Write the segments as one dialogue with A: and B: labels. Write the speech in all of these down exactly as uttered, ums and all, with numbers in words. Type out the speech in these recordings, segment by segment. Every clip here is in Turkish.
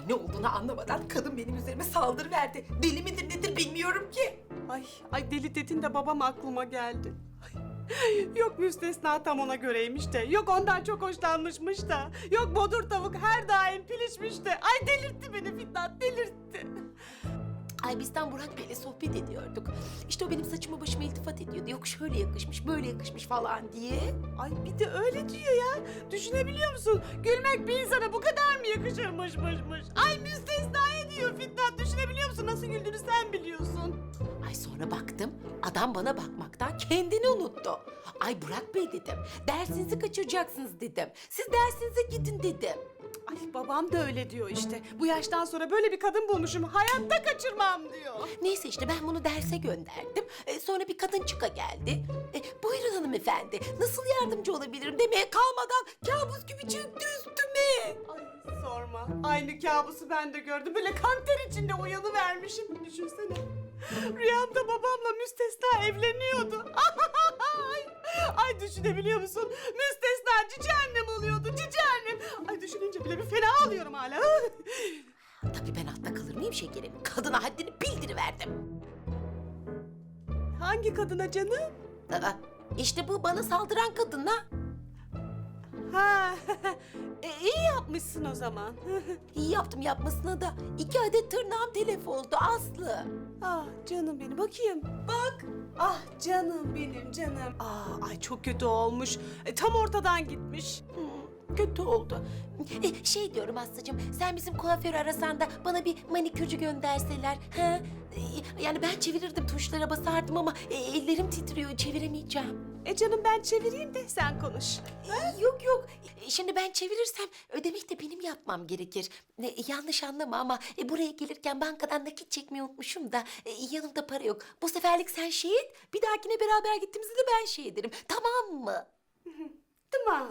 A: Ay ne olduğunu anlamadan kadın benim üzerime saldırıverdi. Deli midir nedir bilmiyorum ki.
B: Ay, ay deli dedin de babam aklıma geldi. Ay, yok müstesna tam ona göreymiş de, yok ondan çok hoşlanmışmış da, yok bodur tavuk her daim pilişmiş de. Ay delirtti beni Fitnat, delirtti.
A: Ay bizden Burak Bey'le sohbet ediyorduk. İşte o benim saçıma başıma iltifat ediyordu. Yok şöyle yakışmış, böyle yakışmış falan diye.
B: Ay bir de öyle diyor ya. Düşünebiliyor musun? Gülmek bir insana bu kadar mı yakışırmışmışmış? Ay müstesnaya diyor Fitnat. Düşünebiliyor musun? Nasıl güldüğünü sen biliyorsun.
A: Ay sonra baktım, adam bana bakmaktan kendini unuttu. Ay Burak Bey dedim, dersinizi kaçıracaksınız dedim. Siz dersinize gidin dedim.
B: Ay babam da öyle diyor işte. Bu yaştan sonra böyle bir kadın bulmuşum. Hayatta kaçırmam diyor.
A: Neyse işte ben bunu derse gönderdim. Ee, sonra bir kadın çıka geldi. Ee, buyurun hanımefendi, nasıl yardımcı olabilirim demeye kalmadan kabus gibi çöktü üstüme.
B: Ay sorma. Aynı kabusu ben de gördüm. Böyle kan ter içinde uyanıvermişim. Düşünsene. Rüyamda babamla müstesna evleniyordu. Ay, ay düşünebiliyor musun? Müstesna cici annem oluyordu, cici annem. Ay düşününce bile bir fena alıyorum hala.
A: Tabii ben altta kalır mıyım şekerim? Kadına haddini bildiriverdim.
B: Hangi kadına canım?
A: Aa, işte bu bana saldıran kadına.
B: Ha, e, iyi yapmışsın o zaman.
A: İyi yaptım yapmasına da iki adet tırnağım telef oldu Aslı.
B: Ah canım benim, bakayım. Bak. Ah canım benim canım. Aa, ay çok kötü olmuş. E, tam ortadan gitmiş.
A: Hmm, kötü oldu. E, şey diyorum Aslı'cığım, sen bizim kuaförü arasan da bana bir manikürcü gönderseler. Ha? E, yani ben çevirirdim, tuşlara basardım ama e, ellerim titriyor, çeviremeyeceğim.
B: E canım ben çevireyim de sen konuş.
A: E, yok yok, E, şimdi ben çevirirsem ödemek de benim yapmam gerekir. E, yanlış anlama ama e, buraya gelirken bankadan nakit çekmeyi unutmuşum da e, yanımda para yok. Bu seferlik sen şey et, bir dahakine beraber gittiğimizde de ben şey ederim, tamam mı?
B: Tamam.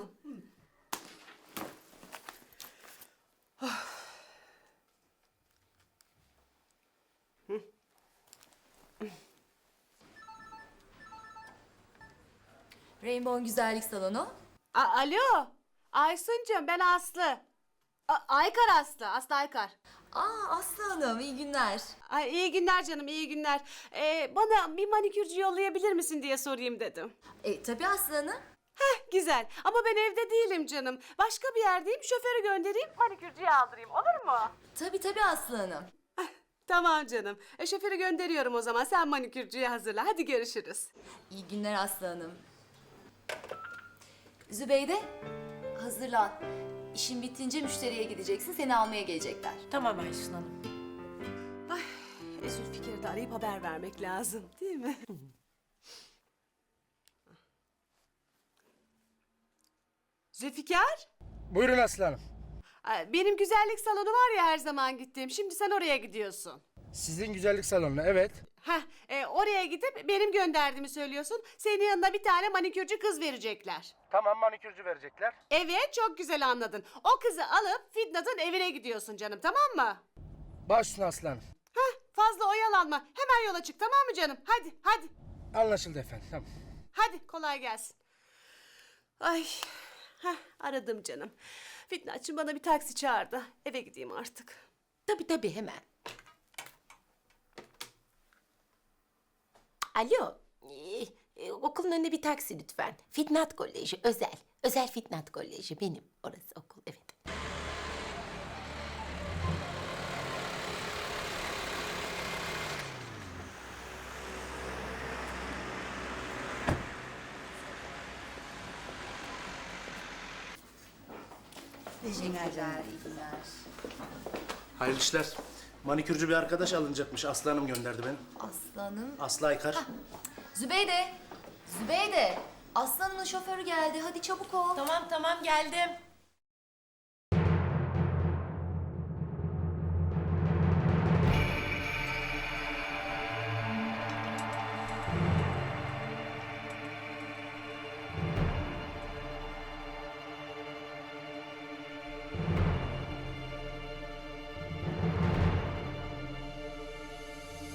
C: Rainbow Güzellik Salonu.
B: A Alo. Aysuncuğum ben Aslı. A Aykar Aslı. Aslı Aykar.
C: Aa Aslı Hanım, iyi günler.
B: Ay iyi günler canım, iyi günler. Ee, bana bir manikürcü yollayabilir misin diye sorayım dedim.
C: E, tabii Aslı Hanım.
B: Heh güzel ama ben evde değilim canım. Başka bir yerdeyim, şoförü göndereyim, manikürcüye aldırayım, olur mu?
C: Tabii tabii Aslı Hanım.
B: Ah, tamam canım. E, şoförü gönderiyorum o zaman, sen manikürcüye hazırla. Hadi görüşürüz.
C: İyi günler Aslı Hanım. Zübeyde, hazırlan. İşin bitince müşteriye gideceksin, seni almaya gelecekler.
A: Tamam Aysun Hanım.
B: Ay, e, Zülfikar'ı da arayıp haber vermek lazım değil mi? Zülfikar?
D: Buyurun Aslı Hanım.
B: Ay, benim güzellik salonu var ya her zaman gittiğim. Şimdi sen oraya gidiyorsun.
D: Sizin güzellik salonuna, evet.
B: Heh, e, oraya gidip benim gönderdiğimi söylüyorsun. Senin yanına bir tane manikürcü kız verecekler.
D: Tamam, manikürcü verecekler.
B: Evet, çok güzel anladın. O kızı alıp Fitnat'ın evine gidiyorsun canım, tamam mı?
D: Baş üstüne Aslı Hanım.
B: Heh, fazla oyalanma. Hemen yola çık, tamam mı canım? Hadi, hadi.
D: Anlaşıldı efendim, tamam.
B: Hadi, kolay gelsin. Ay, heh, aradım canım. Fitnatçım bana bir taksi çağırdı. Eve gideyim artık.
A: Tabii tabii hemen. Alo, ee, e, okulun önüne bir taksi lütfen. Fitnat Koleji, özel. Özel Fitnat Koleji benim. Orası okul, evet.
C: Teşekkürler, iyi günler.
E: Hayırlı işler. Manikürcü bir arkadaş alınacakmış. Aslı Hanım gönderdi beni.
C: Aslı Hanım.
E: Aslı Aykar.
C: Zübeyde, Zübeyde. Aslı Hanım'ın şoförü geldi, hadi çabuk ol.
A: Tamam tamam geldim.